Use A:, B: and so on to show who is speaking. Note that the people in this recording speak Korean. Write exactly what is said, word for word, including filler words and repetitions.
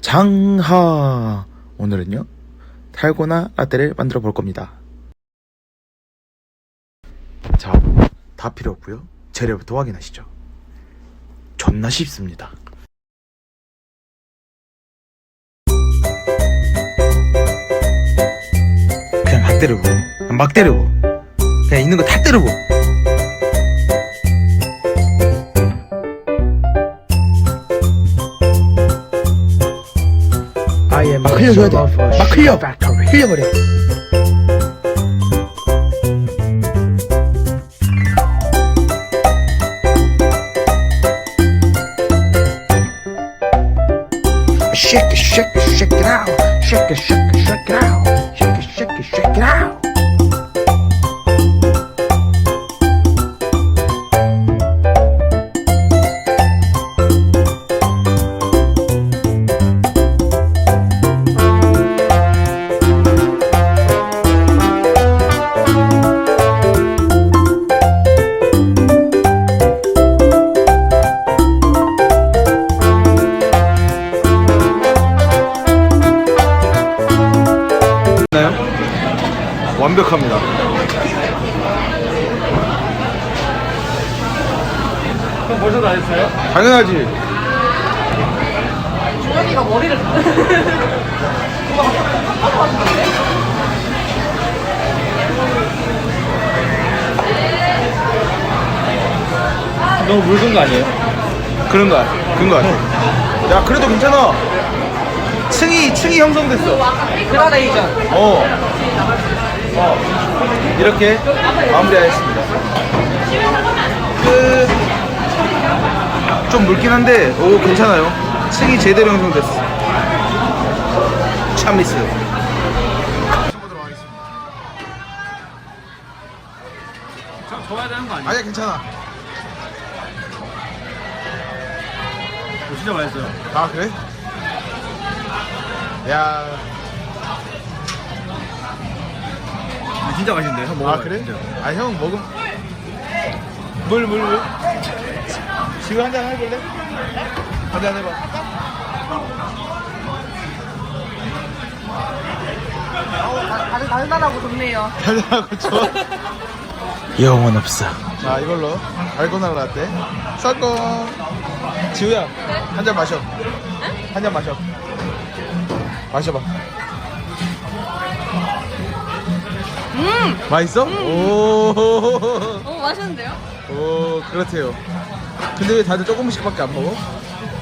A: 장하! 오늘은요 달고나 라떼를 만들어 볼 겁니다. 자, 다 필요 없고요 재료부터 확인하시죠. 존나 쉽습니다. 그냥 막 때리고 그냥 막 때리고 그냥 있는 거 다 때리고. 막 흘려줘야 돼. 막 흘려. 흘려버려. Shake it, shake it, shake it out. Shake it, shake it, shake it out. Shake it, shake it, shake it out. 완벽합니다.
B: 그럼 벌써 다 했어요?
A: 당연하지.
B: 주현이가 머리를 너무 묽은 거 아니에요?
A: 그런 거야. 그런 거 같아. 야, 그래도 괜찮아. 층이 층이 형성됐어.
B: 그라데이션.
A: 어. 어. 이렇게 마무리하겠습니다. 끝. 좀 묽긴 한데, 오, 괜찮아요. 층이 제대로 형성됐어. 참미스.
B: 저, 져야 되는 거 아니에요?
A: 아니야, 괜찮아.
B: 어, 진짜 맛있어요.
A: 아, 그래? 야.
B: 진짜 맛있는데, 형 먹어봐요.
A: 아, 그래?
B: 진짜.
A: 아, 형 먹음. 물, 물, 물. 지금 한잔 해볼래? 한잔 해봐.
C: 다들 달달하고 좋네요.
A: 달달하고 좋아. 영혼 없어. 자, 이걸로 달고나 라떼 성공. 지우야, 한 잔 마셔. 한 잔 마셔. 마셔봐.
C: 음!
A: 맛있어? 오.
C: 어, 맛있는데요?
A: 오, 그렇대요. 근데 왜 다들 조금씩밖에 안 먹어?